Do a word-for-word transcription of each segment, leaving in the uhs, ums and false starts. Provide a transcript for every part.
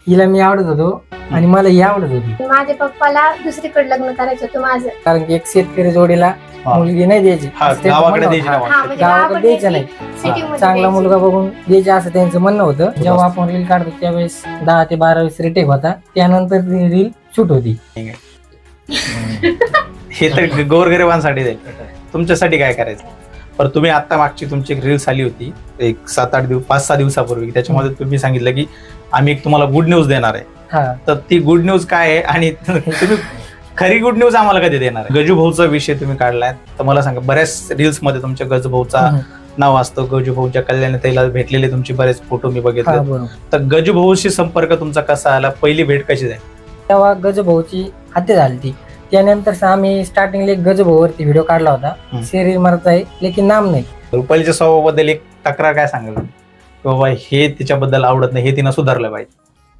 हिला मी आवडत होतो आणि मला ही आवडत होती. माझ्या पप्पाला दुसरीकडे लग्न करायचं होतं माझं, कारण की एक शेतकरी जोडीला हा. मुलगी नाही द्यायची, हा, असं त्यांचं गावाकडे म्हणणं द्यायची होतं. नाही हा वाटतं. म्हणजे गावाकडे गावाकडे द्यायचं द्यायची, नाही. सिटीमध्ये चांगला द्यायची. मुलगा बघून द्यायचे असं त्यांचं म्हणणं होतं. जेव्हा आपण रील काढतो त्यावेळेस दहा ते बारा वीस रिटेक होता, त्यानंतर रील शूट होती. हे तर गोरगरिबांसाठी जाईल, तुमच्यासाठी काय करायचं. पण तुम्ही आता मागची तुमची एक रील्स आली होती एक सात आठ दिवस पाच सहा दिवसापूर्वी, त्याच्यामध्ये तुम्ही सांगितलं की आम्ही एक तुम्हाला गुड न्यूज देणार आहे. हा, तर ती गुड न्यूज काय आहे आणि तुम्ही खरी गुड न्यूज आम्हाला कधी देणार आहे? गजू भाऊचा विषय तुम्ही काढलाय, तर मला सांगा, बऱ्याच रील्स मध्ये तुमच्या गजू भाऊचा हम्म. नाव असतं. गजू भाऊच्या कल्याण ताईला भेटलेले तुमचे बरेच फोटो मी हा, बघितले. बरोबर. तर गजू भाऊशी संपर्क तुमचा कसा आला, पहिली भेट कशी झाली? तेव्हा गजभाऊची हत्या झाली ती. त्यानंतर आम्ही स्टार्टिंगला एक गजभाऊवरती व्हिडिओ काढला होता, हम्म. शरीर मरत आहे लेकिन नाम नाही. रुपालीच्या स्वभावाबद्दल एक तक्रार काय सांगाल की बाबा हे तिच्याबद्दल आवडत नाही, हे तिनं सुधारलं पाहिजे?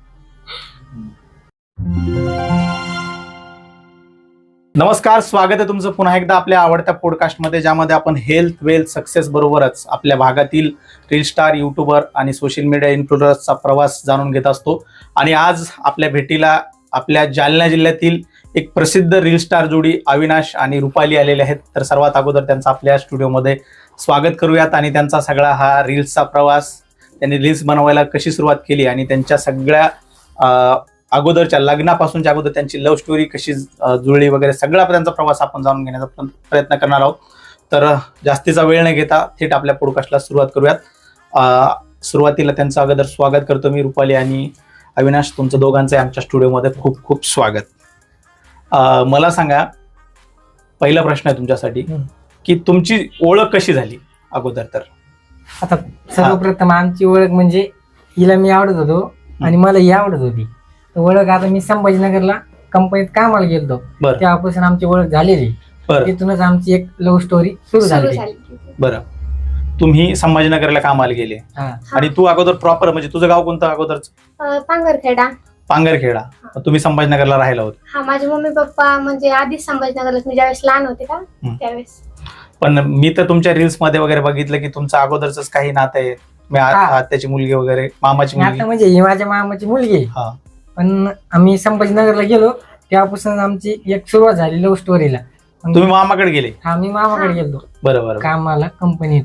नमस्कार, स्वागत आहे तुमचं पुन्हा एकदा आपल्या आवडत्या पॉडकास्टमध्ये, ज्यामध्ये आपण हेल्थ वेल्थ सक्सेस बरोबरच आपल्या भागातील रील स्टार, युट्यूबर आणि सोशल मीडिया इन्फ्लुएन्सरचा प्रवास जाणून घेत असतो. आणि आज आपल्या भेटीला आपल्या जालना जिल्ह्यातील एक प्रसिद्ध रील स्टार जोडी अविनाश आणि रुपाली आलेले आहेत. तर सर्वात अगोदर त्यांचं आपल्या स्टुडिओमध्ये स्वागत करूयात आणि त्यांचा सगळा हा रील्सचा प्रवास, त्यांनी रील्स बनवायला कशी सुरुवात केली आणि त्यांच्या सगळ्या अं, अगोदरच्या लग्नापासूनच्या अगोदर त्यांची लव्ह स्टोरी कशी अं, जुळली वगैरे सगळा त्यांचा प्रवास आपण जाणून घेण्याचा पण प्रयत्न करणार आहोत. तर जास्तीचा वेळ न घेता थेट आपल्या पॉडकास्टला सुरुवात करूयात. अं, सुरुवातीला त्यांचं अगोदर स्वागत करतो मी. रुपाली आणि अविनाश, तुमचं दोघांचं आमच्या स्टुडिओमध्ये खूप खूप स्वागत. अं, मला सांगा, पहिला प्रश्न आहे तुमच्यासाठी हम्म. की तुमची ओळख कशी झाली अगोदर तर? आता सर्वप्रथम आमची ओळख म्हणजे हिला मी आवडत होतो आणि मला ही आवडत होती. तर ओळख आता मी संभाजीनगरला कंपनीत कामाला गेलो, बरं तेव्हापासून आमची ओळख झालेली. बरं तिथूनच आमची एक लव्ह स्टोरी सुरू सुरू झाली. झाली. बरं तुम्ही संभाजीनगरला कामाला गेले हा, आणि तू अगोदर प्रॉपर म्हणजे तुझं गाव कोणतं अगोदरच? अं, पांगरखेडा. पांगरखेडा. तुम्ही संभाजीनगरला राहिला होता. हा, माझे मम्मी पप्पा म्हणजे आधीच संभाजीनगरला, मी ज्यावेळेस लहान होते का हम्म. त्यावेळेस. पण मी तर तुमच्या रील्स मध्ये वगैरे बघितलं की तुमचं अगोदरच काही नातं आहे, मी आ- हा. आत्याची मुलगी वगैरे, मामाची आणि मुलगी. आता म्हणजे ही माझ्या मामाची मुलगी आहे. हा. पण आम्ही संभाजीनगरला गेलो तेव्हापासून आमची एक सुरुवात झाली लव्ह स्टोरीला. तुम्ही मामाकडे गेले? हा, मी मामाकडे हा. गेलो बरं बरं. कामाला कंपनीत.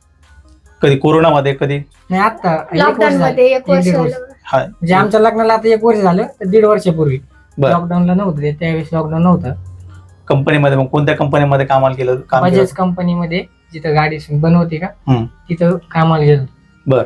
कधी कोरोनामध्ये? कधी? नाही, आता एक वर्ष लॉकडाऊन झालं. मध्ये एक वर्ष दीड वर्ष. झालं. हा. म्हणजे आमच्या लग्नाला आता एक वर्ष झालं, तर दीड वर्षापूर्वी. बरं. लॉकडाऊनला नव्हतं ते, त्यावेळेस लॉकडाऊन नव्हतं. कंपनीमध्ये मग कोणत्या कंपनीमध्ये कामाला केलं? काम केलं? बजाज कंपनीमध्ये जिथं गाडी बनवते का हम्म. तिथं कामाला गेलो. बरं.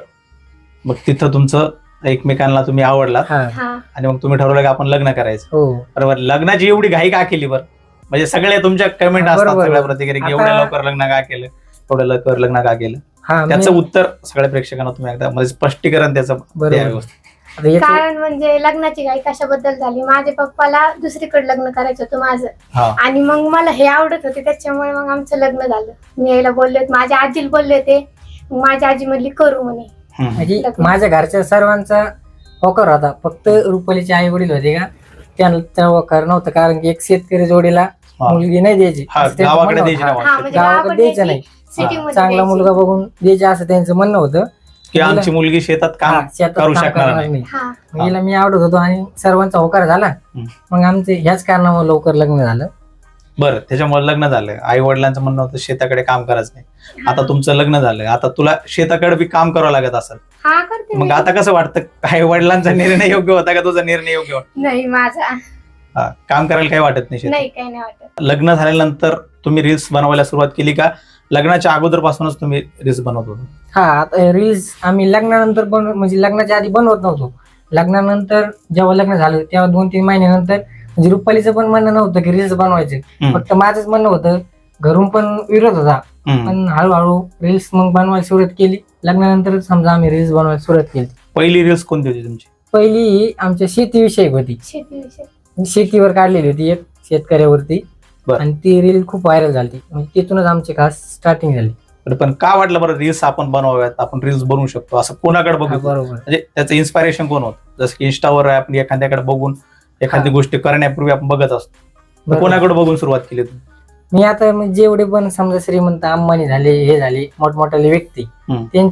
मग तिथं तुमचं एकमेकांना तुम्ही आवडला हा, हा, आणि मग तुम्ही ठरवलं की आपण लग्न करायचं. हो. बरोबर. लग्नाची एवढी घाई का केली बरं? म्हणजे सगळे तुमच्या कमेंट हा, असतात, बरोबर. सगळ्या प्रतिक्रिया, आता- एवढ्या लवकर लग्न का केलं, एवढ्या लवकर लग्न का केलं? हा, त्याचं मी- उत्तर सगळ्या प्रेक्षकांना तुम्ही एकदा म्हणजे स्पष्टीकरण त्याचं बरोबर. द्या व्यवस्थित. आता याचं- कारण म्हणजे लग्नाची घाई कशाबद्दल झाली, माझ्या पप्पाला दुसरीकडे लग्न करायचं होतं माझं, हा. आणि मग मला हे आवडत होते, त्याच्यामुळे मग आमचं लग्न झालं. मी यायला बोलले होते, माझ्या आजीला बोलले होते, मग माझी आजी म्हणली करू म्हणे. हम्म. म्हणजे माझ्या घरच्या सर्वांचा होकार होता, फक्त रुपालीचे आई वडील होते का त्यांना होकार नव्हतं, कारण की एक शेतकरी जोडीला हा. मुलगी नाही द्यायची, हा, असं त्यांचं गावाकडे म्हणणं द्यायची होतं. नाही हा, वाटतं. म्हणजे गावाकडे गावाकडे द्यायचं द्यायची, नाही. सिटीमध्ये चांगला द्यायची. मुलगा बघून द्यायचे असं त्यांचं म्हणणं होतं. की आमची मुलगी शेतात काम हा, शेतात करू काम शकणार करणार नाही. नाही. हा, मग हिला मी आवडत होतो आणि सर्वांचा होकार झाला. हम्म. मग आमचे ह्याच कारणामुळे लवकर लग्न झालं. बरं, त्याच्यामुळे लग्न झालं. आई वडिलांचं म्हणणं होतं शेताकडे काम करायचं नाही. आता तुमचं लग्न झालं, आता तुला शेताकडे बी काम करावं लागत असेल. हा करते मग मी. आता कसं वाटतं, आई वडिलांचा निर्णय योग्य होता का तुझा निर्णय योग्य होता? नाही माझा हा, काम करायला काही वाटत नाही शेतात? नाही, काही नाही वाटत. लग्न झाल्यानंतर तुम्ही रील्स बनवायला सुरुवात केली का लग्नाच्या अगोदरपासूनच तुम्ही रील्स बनवत होता? हा, आता रील्स आम्ही लग्नानंतर बन म्हणजे लग्नाच्या आधी बनवत नव्हतो. लग्नानंतर जेव्हा लग्न झालं तेव्हा दोन तीन महिन्यानंतर म्हणजे रुपालीचं पण म्हणणं नव्हतं की रील्स बनवायचे, हम्म. फक्त माझंच म्हणणं होतं. घरून पण विरोध होता, हम्म. पण हळूहळू रील्स मग बनवायला सुरुवात केली. लग्नानंतर समजा आम्ही रील्स बनवायला सुरुवात केली. पहिली रील्स कोणती होती तुमची? पहिली ही आमच्या शेतीविषयक होती, शेतीविषयी. शेतीवर काढलेली होती एक शेतकऱ्यावरती. बरं. आणि ती रील खूप व्हायरल झाली, म्हणजे तिथूनच आमची खास स्टार्टिंग झाली. बरं, पण का वाटलं बरं रील्स आपण बनवाव्यात, आपण रील्स बनवू शकतो असं कोणाकडे हा, बघू? बरोबर. म्हणजे त्याचं इन्स्पायरेशन कोण होतं? जसं की इंस्टावर आपण एखाद्याकडे बघून एखादी हा. गोष्ट करण्यापूर्वी आपण बघत असतो, तर बरोबर. कोणाकडे बघून सुरुवात केली तुम्ही? मी आता म्हणजे जेवढे पण समजा श्रीमंत अंबानी झाले, हे झाले मोठमोठाले व्यक्ती, हम्म. त्यांचे एक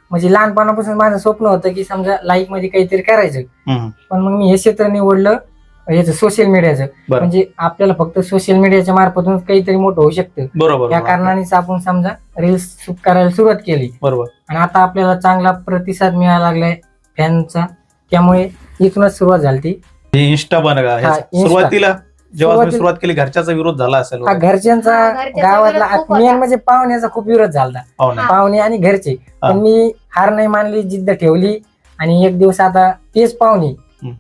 म्हणजे लहानपणापासून माझं स्वप्न होतं की समजा लाईफ मध्ये काहीतरी करायचं. हम्म. पण मग मी हे क्षेत्र निवडलं याचं सोशल मीडियाचं. बरं. म्हणजे आपल्याला फक्त सोशल मीडियाच्या मार्फतून काहीतरी मोठं होऊ शकतं. बरोबर या बरोबर. कारणानेच आपण समजा रील्स करायला सुरुवात केली बरोबर. आणि आता आपल्याला चांगला प्रतिसाद मिळायला लागलाय फॅनचा. त्यामुळे इथूनच सुरुवात झाली ती. इन्स्टा बन का हा, Insta. सुरुवातीला जेव्हा तुम्ही सुरुवातीला- सुरुवात केली घरच्याचा विरोध झाला असेल हा वगैरे. घरच्यांचा हा, घरच्यांचा गावातला विरोध खूप मेन होता. म्हणजे पाहुण्याचा खूप विरोध झाला. हो ना. हा. पाहुणे आणि घरचे. हा. पण मी हार नाही मानली, जिद्द ठेवली आणि एक दिवस आता तेच पाहुणे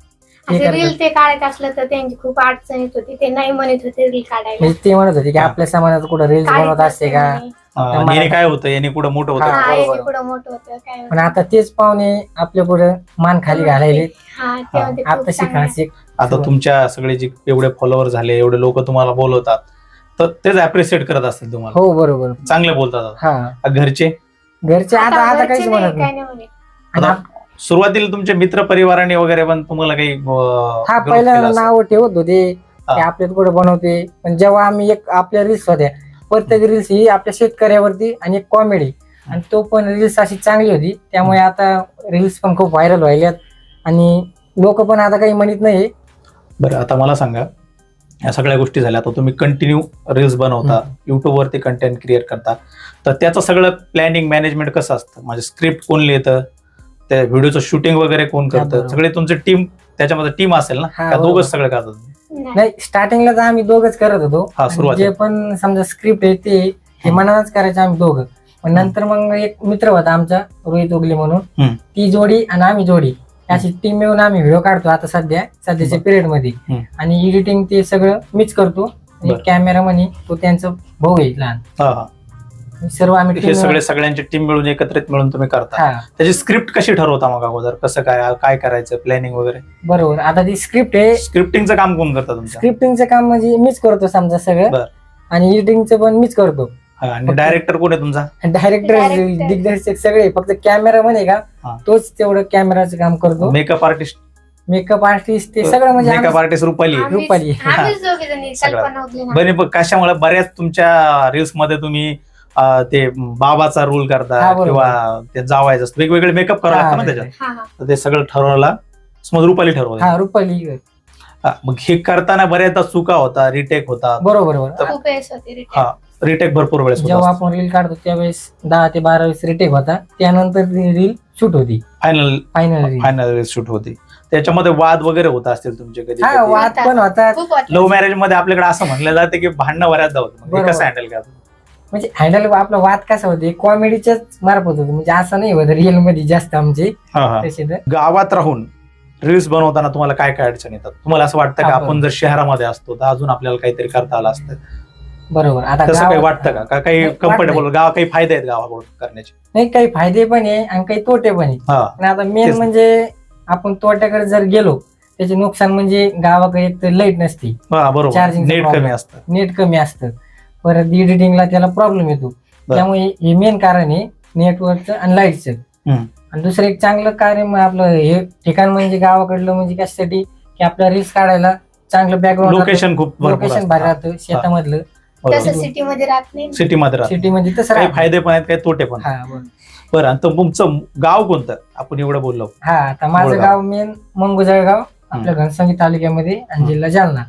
हे असे करतात. रील ते काढायचं असलं तर त्यांची खूप अडचण येत होती. ते नाही म्हणत होते रील काढायला. म्हणजे ते म्हणत होते की हा. आपल्या समाजात कुठं रील्स काढत बनवत असते का. नसते म्हणे. हा, मला- याने काय होतं याने पुढे मोठं होतं. हा. हा, बरोबर. याने पुढं मोठं होतं काय पण आता तेच पाहुणे आपल्या पुढे मान खाली घालायले. हा त्यामध्ये खूप आता चांगलं आहे. शिका आता तुमच्या सगळे जे एवढे फॉलोअर झाले, एवढे लोक तुम्हाला बोलवतात, तर तेच अप्रिशिएट करत असतील तुम्हाला. हो बरोबर. चांगले बोलतात. हा आता घरचे घरचे आता आता घरचे काहीच नाही, म्हणत काय नाही. नाही म्हणे. आणि आता आप- सुरुवातीला तुमचे मित्र परिवाराने वगैरे पण तुम्हाला काही अं, हा विरोध पहिला केला असेल. नाव ठेवत होते हा. की आपल्यात कुठे बनवते. पण जेव्हा आम्ही एक आपल्या रील्स होत्या, प्रत्येक रील्स ही आपल्या शेतकऱ्यावरती आणि एक कॉमेडी, आणि तो पण रील्स अशी चांगली होती. त्यामुळे आता रील्स पण खूप व्हायरल व्हायल्यात आणि लोक पण आता काही म्हणत नाही. बरं, आता मला सांगा, या सगळ्या गोष्टी झाल्या, आता तुम्ही कंटिन्यू रील्स बनवता, युट्यूब वरती कंटेंट क्रिएट करता, तर त्याचं सगळं प्लॅनिंग मॅनेजमेंट कसं असतं? म्हणजे स्क्रिप्ट कोण लिहितं, त्या व्हिडिओचं शूटिंग वगैरे कोण हा, करतं? बरोबर. सगळे तुमची टीम, त्याच्यामध्ये टीम असेल ना, हा, का बरोबर. दोघच सगळं करतात? नाही. नाही स्टार्टिंगला तर आम्ही दोघच करत होतो. हा, आणि सुरुवातीला. जे पण समजा स्क्रिप्ट आहे ते हे हम्म. मनानच करायचं आम्ही दोघं. पण नंतर मग एक मित्र होता आमचा रोहित उगले म्हणून, हम्म. ती जोडी आणि आम्ही जोडी अशी टीम मिळून आम्ही व्हिडिओ काढतो आता सध्या सध्याच्या बरं. पिरियड मध्ये. हम्म. आणि एडिटिंग ते सगळं मीच करतो. आणि बरं. कॅमेरा म्हणे तो त्यांचा भाऊ आहे लहान. हा हा, सर्व आम्ही हे team सगळे सगळ्यांची टीम मिळून एकत्रित मिळून तुम्ही करता. हा त्याची स्क्रिप्ट कशी ठरवता मग अगोदर? कसं काय काय करायचं, प्लॅनिंग वगैरे? बरोबर. आता ती स्क्रिप्ट आहे, स्क्रिप्टिंगचं काम कोण करतं तुमचं? स्क्रिप्टिंगचं काम म्हणजे मीच करतो समजा सगळं. बरं. आणि एडिटिंगचं पण मीच करतो. हा, आणि फक्त- डायरेक्टर कोण आहे तुमचा? Director Director. दिग्दर्शक सगळे, फक्त कॅमेरा म्हणे हा. का तोच तेवढं कॅमेराचं काम करतो. Makeup artist? मेकअप आर्टिस्ट ते सगळं म्हणजे मेकअप आम्ही- आर्टिस्ट रुपाली? आम्हीच- रुपाली. आम्हीच दोघे जणी, सगळं. कल्पना उगले ना. बरे, बघ कशामुळे बऱ्याच तुमच्या रील्स मध्ये तुम्ही अं, ते बाबाचा रोल करता हा, बरोबर. किंवा ते जावायचं असतं, वेगवेगळे मेकअप करावं लागतं ना हा, त्याच्यात. हा हा तर ते सगळं ठरवला समज रुपाली ठरवलं. हा रुपाली. हा, मग हे करताना बऱ्याचदा चुका होता, रिटेक होता. बरोबर बरोबर. खूप वेळेस होती return. हा, रिटेक भरपूर वेळेस जेव्हा आपण रील काढतो त्यावेळेस दहा ते बारा वेळेस रिटेक होता. त्यानंतर रील शूट होती final final reel. Final shoot होती. त्याच्यामध्ये वाद वगैरे होत असतील तुमचे कधी? हा वाद पण होता. खूप होती. लव्ह मॅरेज मध्ये आपल्याकडे असं म्हणलं जातं की भांडणं बऱ्याचदा होतं. मग हे बरोबर. कसं हँडल करतो? म्हणजे हँडल आपला वाद कसा होते कॉमेडीच्याच मार्फत होतो. म्हणजे असं नाही होत रिअल मध्ये जास्त आमचे हा हा. तसे तर. गावात राहून रील्स बनवताना तुम्हाला काय काय अडचण येतात? तुम्हाला असं वाटतं का हा, आपण बरोबर. जर शहरामध्ये असतो तर अजून आपल्याला काहीतरी करता आलं असतं? बरोबर. आता तसं काही गावात- वाटतं का? का काही नाही, कम्फर्टेबल वाटतंय. गाव काही फायदे आहेत गावाकडून करण्याचे? नाही काही फायदे पण आहे आणि काही तोटे पण आहे. हा पण आता मेन तेच. म्हणजे आपण तोट्याकडे जर गेलो त्याचे नुकसान म्हणजे गावाकडे एक तर लाईट नसती, हा, बरोबर. Charging चा नेट problem. कमी असतं. नेट कमी असतं, परत एडिटिंगला त्याला प्रॉब्लेम येतो. बरं. त्यामुळे हे मेन कारण आहे नेटवर्कचं आणि लाईटचं. हम्म. आणि दुसरं एक चांगलं कार्य मग आपलं हे ठिकाण म्हणजे गावाकडलं म्हणजे कशासाठी की आपल्या रील्स काढायला चांगलं बॅकग्राऊंड लोकेशन खूप भरपूर लोकेशन भारी असतं. राहतं शेतामधलं. तसं सिटी मध्ये राहत नाही. सिटी मध्ये राहतं. सिटी मध्ये तसं काही राहतं. फायदे पण आहेत, काही तोटे पण आहेत. हा बरं. बरं, आणि तर तुमचं गाव कोणतं? आपण एवढं बोललो. हा आता माझं मुळगाव. गाव मेन मंगुजळगाव आपल्या घनसंगी तालुक्यामध्ये आणि जिल्हा जालना.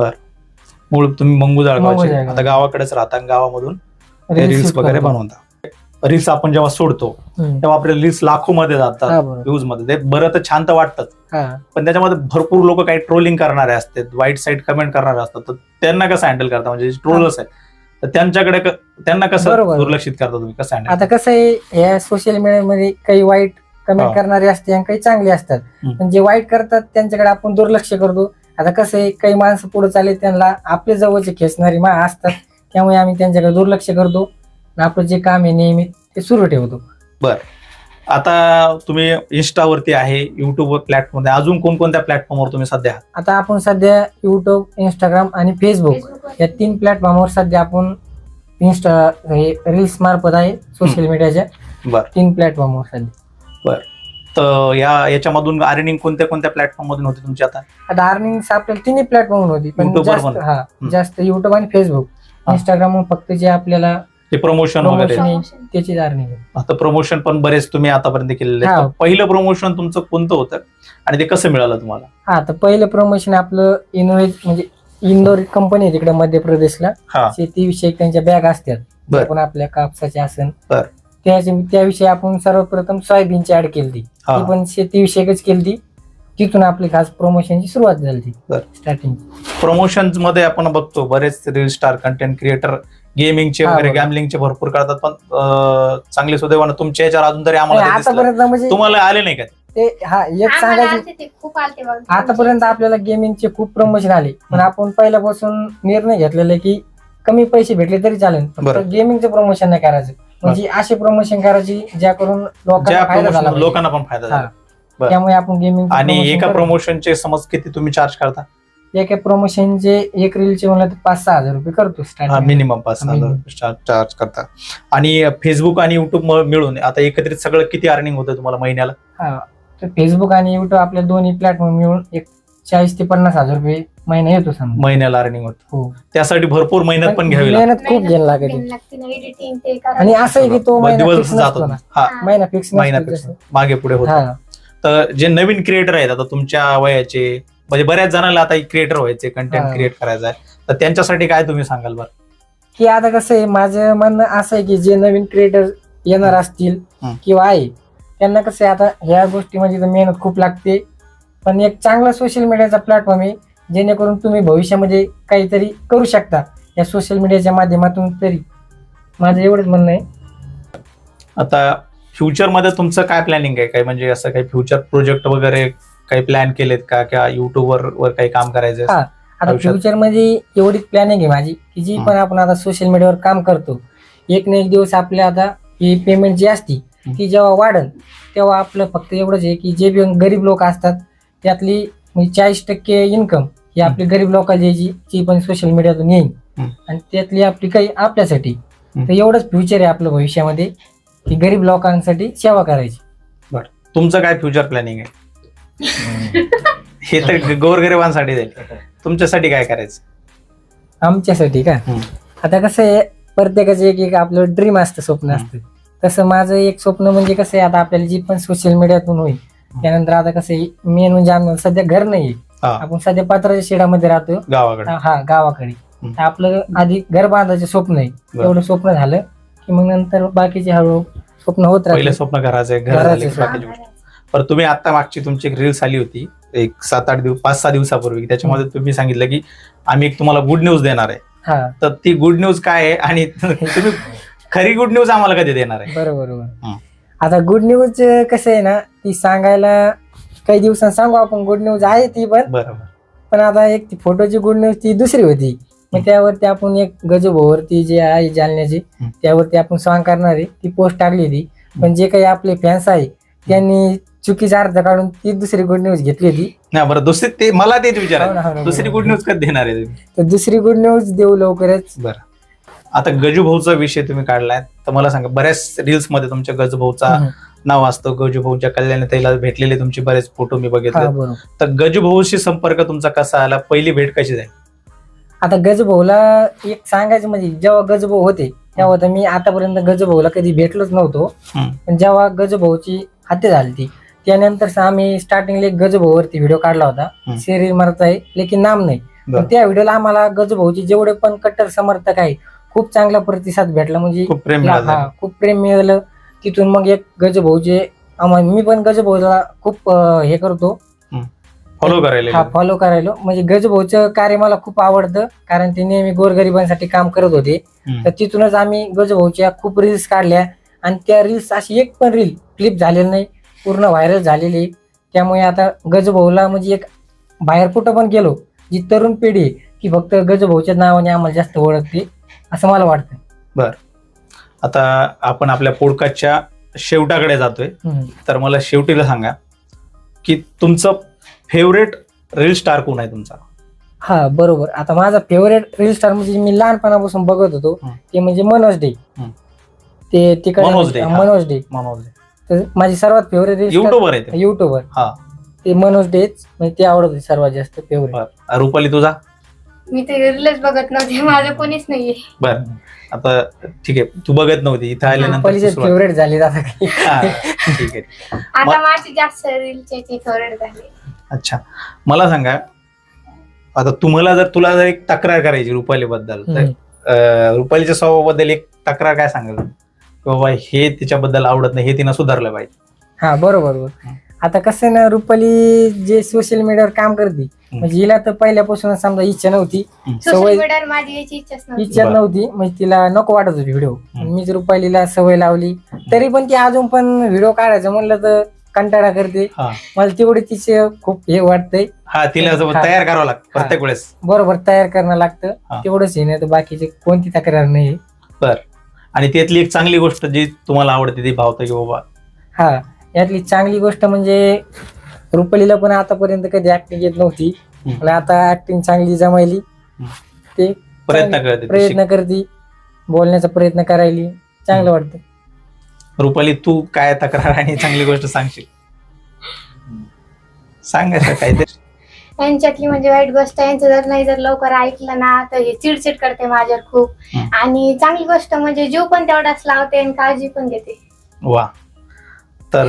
मूळ तुम्ही मंगुजाळगावचे, मंगुजाळगाव. आता गावाकडेच राहता आणि गावामधून Reels रील्स shoot वगैरे करतो. बनवता. रील्स आपण जेव्हा सोडतो हम्म. तेव्हा आपले रील्स लाखो मध्ये जातात, हा बरोबर. व्ह्यूज मध्ये. ते बरं तर छान तर वाटतं, हा पण त्याच्यामध्ये भरपूर लोक काही ट्रोलिंग करणारे असतात, वाईट साईड कमेंट करणारे असतात. तर त्यांना कसं हँडल करता? म्हणजे ट्रोलर्स आहेत तर त्यांच्याकडे क- त्यांना कसं बरोबर. दुर्लक्षित करता तुम्ही? कसं हँडल? आता कसं आहे या सोशल मीडियामध्ये काही वाईट हा. कमेंट करणारे असते आणि काही चांगले असतात. हम्म. पण जे वाईट करतात त्यांच्याकडे आपण दुर्लक्ष करतो. आता कसं आहे काही माणसं पुढे चालले त्यांना आपले जवळचे खेचणारी मा असतात, त्यामुळे आम्ही त्यांच्याकडे दुर्लक्ष करतो आणि आपलं जे काम आहे नेहमी ते सुरू ठेवतो. आता तुम्ही इन्स्टावरती आहे, युट्यूब प्लॅटफॉर्म आहे, अजून कोणकोणत्या प्लॅटफॉर्मवर तुम्ही सध्या आहात? आता आपण सध्या युट्यूब, इंस्टाग्राम आणि फेसबुक Facebook वर. या तीन प्लॅटफॉर्मवर सध्या आपण इन्स्टा हे रील्स मार्फत आहे सोशल मीडियाच्या बरं. तीन प्लॅटफॉर्मवर सध्या. तर या याच्यामधून अर्निंग कोणत्या कोणत्या प्लॅटफॉर्म मधून होते तुमची आता? आता अर्निंग आपल्याला तिन्ही प्लॅटफॉर्म होती पण YouTube वर जास्त पण? हा जास्त युट्यूब आणि फेसबुक. हा. इंस्टाग्राम फक्त जे आपल्याला ते प्रमोशन वगैरे Promotion. Promotion. त्याची अर्निंग. आता प्रमोशन पण बरेच तुम्ही आतापर्यंत केलेले आहेत. हा. तर पहिलं प्रमोशन तुमचं कोणतं होतं आणि ते कसं मिळालं तुम्हाला? हा, तर पहिलं प्रमोशन आपलं इनोवेज म्हणजे इंदोर कंपनी आहे तिकडे मध्य प्रदेशला. हा. शेतीविषयक त्यांच्या बॅग असतात. बर. आपण आपल्या कापसाचे असन बर. त्याच्या त्याविषयी आपण सर्वप्रथम सोयाबीनची ऍड केली ती हा. ती पण शेतीविषयकच केली. तिथून आपली खास प्रमोशनची सुरुवात झाली बर. स्टार्टिंग. प्रमोशन मध्ये आपण बघतो बरेच रील स्टार कंटेंट क्रिएटर गेमिंगचे हा, वगैरे बरोबर. गॅमलिंगचे भरपूर करतात, पण अं, चांगले सुदैवानं तुमच्या याच्यावर अजून तरी आम्हाला ते दिसलं. आतापर्यंत म्हणजे तुम्हाला आले नाही का? ते हा एक आम्हाला सांगायचे आलते ते खूप आलते बघ. आतापर्यंत आपल्याला गेमिंगचे खूप प्रमोशन आले, पण हम्म. आपण पहिल्यापासून निर्णय घेतलेला आहे की कमी पैसे भेटले तरी चालेल, फक्त बरं. गेमिंगचं प्रमोशन नाही करायचं. म्हणजे असे प्रमोशन करायची ज्या करून लोकांना ज्या फायदा झाला promotion पाहिजे. लोकांना पण फायदा झाला. हा. बरं. त्यामुळे आपण गेमिंग आणि एका प्रमोशनचे समज किती तुम्ही चार्ज करता? एका प्रमोशनचे एक रीलचे म्हणलं तर पाच सहा हजार रुपये करतो स्टार्टिंग. मिनिमम पाच सहा हजार minimum. रुपये चार्ज चार्ज करता. आणि फेसबुक आणि युट्यूब मिळून आता एकत्रित सगळं किती अर्निंग होतं तुम्हाला महिन्याला? हा, तर फेसबुक आणि युट्यूब आपल्या दोन्ही प्लॅटफॉर्म मिळून एक चाळीस ते पन्नास हजार रुपये महिना येतो समजा. महिन्याला अर्निंग होतं. हो, त्यासाठी भरपूर मेहनत पण घ्यावी लागते. मेहनत खूप घ्यायला लागते. एडिटिंग ते करा. आणि असं आहे की तो मग महिना दिवस fix जातो नसतो ना. हा महिना फिक्स महिना fix. मागे पुढे होत. हा, तर जे नवीन क्रिएटर आहेत आता तुमच्या वयाचे, म्हणजे बऱ्याच जणांना आता क्रिएटर व्हायचे, कंटेंट हा. क्रिएट करायचं आहे, तर त्यांच्यासाठी काय तुम्ही सांगाल बरं? की आता कसं आहे माझं म्हणणं असं आहे की जे नवीन क्रिएटर येणार असतील हं. किंवा आहे त्यांना कसं आहे आता ह्या गोष्टीमध्ये तर मेहनत खूप लागते, पण एक चांगला सोशल मीडियाचा प्लॅटफॉर्म आहे जेणेकरून तुम्ही भविष्यामध्ये काहीतरी करू शकता या सोशल मीडियाच्या माध्यमातून. तरी माझं एवढंच म्हणणं आहे. आता फ्युचर मध्ये तुमचं काय प्लॅनिंग आहे? काय म्हणजे असं काही फ्युचर प्रोजेक्ट वगैरे काही प्लॅन केलेत का, किंवा युट्यूबवर वर काही काम करायचं? हा. आता आयुष्यात? फ्युचर मध्ये एवढीच प्लॅनिंग आहे माझी की जी हं. पण आपण आता सोशल मीडियावर काम करतो, एक ना एक दिवस आपल्या आता ही पेमेंट जी असती हं. ती जेव्हा वाढेल तेव्हा आपलं फक्त एवढंच आहे की जे बी गरीब लोक असतात त्यातली म्हणजे चाळीस टक्के इन्कम ही आपली गरीब लोकांची द्यायची, जी पण सोशल मीडियातून येईल हं. आणि त्यातली आपली काही आपल्यासाठी. हं. तर एवढंच फ्युचर आहे आपलं भविष्यामध्ये की गरीब लोकांसाठी सेवा करायची. तुमचं काय फ्युचर प्लॅनिंग आहे? हे तर गोरगरिबांसाठी जाईल, तुमच्यासाठी काय करायचं? आमच्यासाठी का? हं. आता कसं आहे प्रत्येकाचं एक एक आपलं ड्रीम असतं, स्वप्न हं. असतं. तसं माझं एक स्वप्न म्हणजे कसं आहे आता आपल्याला जी पण सोशल मीडियातून होईल त्यानंतर आता कसं आहे मेन म्हणजे आम्हाला सध्या घर नाही, हा, आपण सध्या पत्राच्या शेडामध्ये राहतो. गावाकडे. हा, गावाकडे. हं. तर आपलं आधी घर बांधायचं स्वप्न आहे, बरं. एवढं स्वप्न झालं की मग नंतर बाकीचे हळूहळू स्वप्न होत पहिलं राहते. स्वप्न घराचं आहे, घर घराचं झाले की स्वप्न. बाकीची गोष्ट. पण तुम्ही आता मागची तुमची एक रील्स आली होती एक सात आठ दिवस पाच सहा दिवसापूर्वी, त्याच्यामध्ये तुम्ही सांगितलं की आम्ही एक तुम्हाला गुड न्यूज देणार आहे. हा, तर ती गुड न्यूज काय आहे आणि तुम्ही खरी गुड न्यूज आम्हाला कधी देणार आहे? बरोबर हं. बरोबर. आता गुड न्यूज कसं आहे ना, ती सांगायला काही दिवसांनी सांगू आपण. गुड न्यूज आहे ती पण, बरोबर. पण आता एक ती फोटोची गुड न्यूज ती दुसरी होती. मग हं. त्यावरती आपण एक गजोभावरती जे आहे जालन्याची हं. त्यावरती आपण सॉंग करणार आहे ती पोस्ट टाकली होती. पण जे काही आपले फॅन्स आहे त्यांनी चुकीचा अर्थ काढून ती दुसरी गुड न्यूज घेतली होती. नाही बरं, दुसरी ते मला तेच हो ना, हो विचारायचं, ना, दुसरी बरोबर. गुड न्यूज कधी देणार आहे तुम्ही? तर दुसरी गुड न्यूज देऊ लवकरच. बरं. आता गजूभाऊचा विषय तुम्ही काढलाय, तर मला सांगा बऱ्याच रील्स मध्ये तुमच्या गजूभाऊचा हं. नाव असतं. गजूभाऊच्या कल्याण ताईला भेटलेले तुमचे बरेच फोटो मी हा, बघितले. बरोबर. तर गजूभाऊशी संपर्क तुमचा कसा आला? पहिली भेट कशी झाली? आता गजभाऊला एक सांगायचं म्हणजे जेव्हा गजभाऊ होते तेव्हा तर मी आतापर्यंत गजभाऊला कधी भेटलोच नव्हतो. हं. पण जेव्हा गजभाऊची हत्या झाली ती त्यानंतर आम्ही स्टार्टिंगला एक गजभाऊवरती व्हिडिओ काढला होता, हं. शरीर मरत आहे लेकिन नाम नाही. बरं. पण त्या व्हिडिओला आम्हाला गजभाऊचे जेवढे पण कट्टर समर्थक आहे खूप चांगला प्रतिसाद भेटला. म्हणजे खूप प्रेम हा, मिळालं. खूप प्रेम मिळालं. तिथून मग एक गजभाऊचे आम्हा- मी पण गजभाऊला खूप अं, हे करतो, फॉलो करायला हा फॉलो करायलो. म्हणजे गजभाऊचं कार्य मला खूप आवडतं कारण ते नेहमी गोरगरिबांसाठी काम करत होते. हं. तर तिथूनच आम्ही गजभाऊच्या खूप रील्स काढल्या आणि त्या रील्स अशी एक पण रील फ्लिप झालेली नाही, पूर्ण व्हायरल झालेली. त्यामुळे आता गजभाऊला म्हणजे एक बाहेर कुठं पण गेलो जी तरुण पिढी आहे ती फक्त गजभाऊच्या नावाने आम्हाला जास्त ओळखते असं मला वाटतं. आता आपण आपल्या पॉडकास्टच्या शेवटाकडे जातोय, हम्म. तर मला शेवटीला सांगा की तुमचं फेवरेट रील स्टार कोण आहे तुमचा? हा, बरोबर. आता माझा फेवरेट रील स्टार म्हणजे मी लहानपणापासून बघत होतो हं. ते म्हणजे मनोज डे. हं. ते तिकडे मनोज डे, हा. मनोज डे मनोज तर माझी सर्वात फेवरेट रील युट्यूबर आहे ते. युट्यूबर हा. ते मनोज डेच म्हणजे ते आवडत होते सर्वात जास्त फेवरेट. बरं. रुपाली तुझा? मी ते रीलच बघत नव्हते, माझं कोणीच नाहीये. बर आता ठीक आहे, तू बघत नव्हती, इथं आल्यानंतर रुपालीचे तू सुरुवात- फेवरेट झाले आता काही. हा, ठीक आहे. आता माझी जास्त रीलचे फेवरेट झाले. अच्छा, मला सांगा आता तुम्हाला जर तुला जर एक तक्रार करायची रुपाली बद्दल तर हम्म. अं, रुपालीच्या स्वभावाबद्दल एक तक्रार काय सांगेल की बाबा हे तिच्याबद्दल आवडत नाही, हे तिनं सुधारलं पाहिजे. हा बरोबर बरोबर. आता कसं आहे ना, रुपाली जे सोशल मीडियावर काम करते म्हणजे हिला तर पहिल्यापासून समजा इच्छा नव्हती, सोशल सवय मीडियावर माझी याची इच्छाच नव्हती. इच्छा बरं. नव्हती, म्हणजे तिला नको वाटत होती व्हिडिओ. हम्म. मीच रुपालीला सवय लावली, तरी पण ती अजून पण व्हिडिओ काढायचं म्हणलं तर कंटाळा करते. हा मला तेवढे तिचे खूप हे वाटतंय. हा तिला जवळ हा. तयार करावं लागतं प्रत्येक वेळेस. बरोबर तयार करणं लागतं, हा. तेवढंच हे नाही तर बाकीची कोणती तक्रार नाही. बर, आणि त्यातली एक चांगली गोष्ट जी तुम्हाला आवडते ती भावतं की बाबा हा, यातली चांगली गोष्ट म्हणजे रुपालीला पण आतापर्यंत कधी ऍक्टिंग येत नव्हती, हम्म. पण आता ऍक्टिंग चांगली जमायली. ते प्रयत्न चांगली- करते ती. प्रयत्न करते, बोलण्याचा प्रयत्न करायली, चांगलं वाटतं. रुपाली तू काय तक्रार आणि चांगली गोष्ट सांगशील? सांगायचं काहीतरी. यांच्यातली म्हणजे वाईट गोष्ट, यांचं जर नाही जर लवकर ऐकलं ना तर हे चिडचिड करते माझ्यावर खूप. हम्म. आणि चांगली गोष्ट म्हणजे जीव पण तेवढाच लावते आणि काळजी पण घेते. वा, तर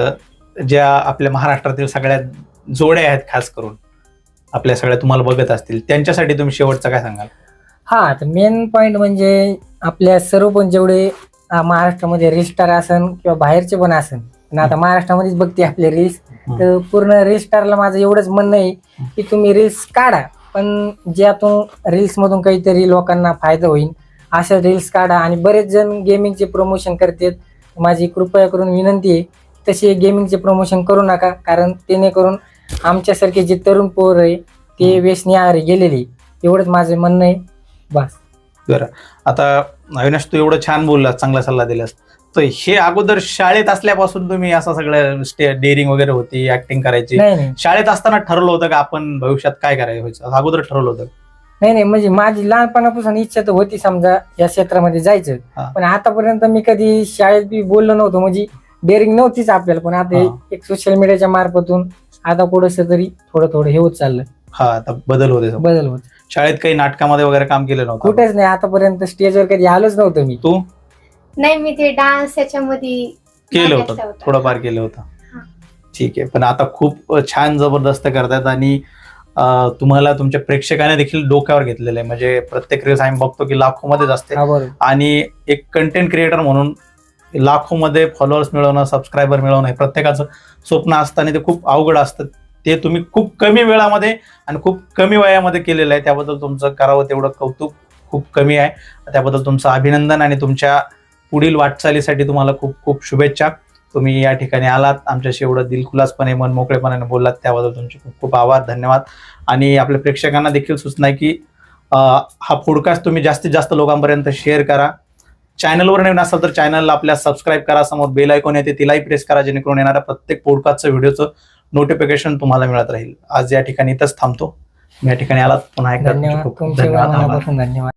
अं, ज्या आपल्या महाराष्ट्रातील सगळ्या जोड्या आहेत खास करून आपल्या सगळ्या तुम्हाला बघत असतील त्यांच्यासाठी तुम्ही शेवटचं काय सांगाल? हा, तर मेन पॉइंट म्हणजे आपल्या सर्व पण जेवढे अं, महाराष्ट्रामध्ये रील स्टार असन किंवा बाहेरचे पण असन, पण आता महाराष्ट्रामध्येच बघते आपले रील्स, तर पूर्ण रील स्टारला माझं एवढंच म्हणणं आहे की तुम्ही रील्स काढा, पण ज्यातून रील्स मधून काहीतरी लोकांना फायदा होईल अशा रील्स काढा. आणि बरेच जण गेमिंगचे प्रमोशन करतात, माझी कृपया करून विनंती आहे तसे गेमिंगचे प्रमोशन करू नका, कारण त्याने करून आमच्यासारखे जे तरुण पोर आहे ते व्यसनी आहारी गेलेले. एवढंच माझं म्हणणं आहे, बस. बरं, आता अविनाश तू एवढं छान बोललास, चांगला सल्ला दिलास, तर हे अगोदर शाळेत असल्यापासून तुम्ही असं सगळं डेअरिंग वगैरे होती, ऍक्टिंग करायची, नाही नाही शाळेत असताना ठरवलं होतं का आपण भविष्यात काय करायचं व्हायचं, असं अगोदर ठरवलं होतं? नाही नाही म्हणजे माझी लहानपणापासून इच्छा तर होती समजा या क्षेत्रामध्ये जायचं, हा. पण आतापर्यंत मी कधी शाळेत बी बोललो नव्हतो, म्हणजे डेअरिंग नव्हतीच आपल्याला. पण आता हा. एक सोशल मीडियाच्या मार्फतून आता पुढे तरी थोडं थोडं हे होत चाललं, हा, आता बदल होते सगळं. बदल होत. शाळेत काही नाटकामध्ये वगैरे काम केलं नव्हतं? कुठेच नाही, आतापर्यंत स्टेजवर कधी आलोच नव्हतं मी. तू नाही, मी ते डान्स याच्यामध्ये केलं भाग होतं, घेतला होता. थोडंफार केलं होतं. हा. ठीक आहे, पण आता खूप छान जबरदस्त करतात आणि अं, तुम्हाला तुमच्या प्रेक्षकाने देखील डोक्यावर घेतलेलं आहे. म्हणजे प्रत्येक रील्स आम्ही बघतो की लाखो मध्येच असते, हा बरोबर. आणि एक कंटेंट क्रिएटर म्हणून लाखो मध्ये फॉलोअर्स मिळवणं, सबस्क्रायबर मिळवणं हे प्रत्येकाचं स्वप्न असतं आणि ते खूप अवघड असतं. ते तुम्ही खूप कमी वेळामध्ये आणि खूप कमी वयामध्ये केलेलं आहे, त्याबद्दल तुमचं करावं तेवढं कौतुक खूप कमी आहे. त्याबद्दल तुमचं अभिनंदन आणि तुमच्या पुढील वाटचालीसाठी तुम्हाला खूप खूप शुभेच्छा. तुम्ही या ठिकाणी आलात, आमच्याशी एवढं दिलखुलासपणे मन मोकळेपणाने बोललात, त्याबद्दल तुमचे खूप खूप आभार, धन्यवाद. आणि आपल्या प्रेक्षकांना देखील सूचना आहे की अं, हा पॉडकास्ट तुम्ही जास्तीत जास्त लोकांपर्यंत शेअर करा. चॅनलवर नवीन असाल तर चॅनलला आपल्या सबस्क्राईब करा, समोर बेल आयकॉन येते तिलाही प्रेस करा, जेणेकरून येणाऱ्या प्रत्येक पॉडकास्टचं व्हिडिओचं नोटिफिकेशन तुम्हाला मिळत राहील. आज या ठिकाणी इथंच थांबतो. या ठिकाणी आलात, पुन्हा एकदा तुमचे धन्यवाद, खूप खूप तुमचे धन्यवाद, आभार. मनापासून धन्यवाद.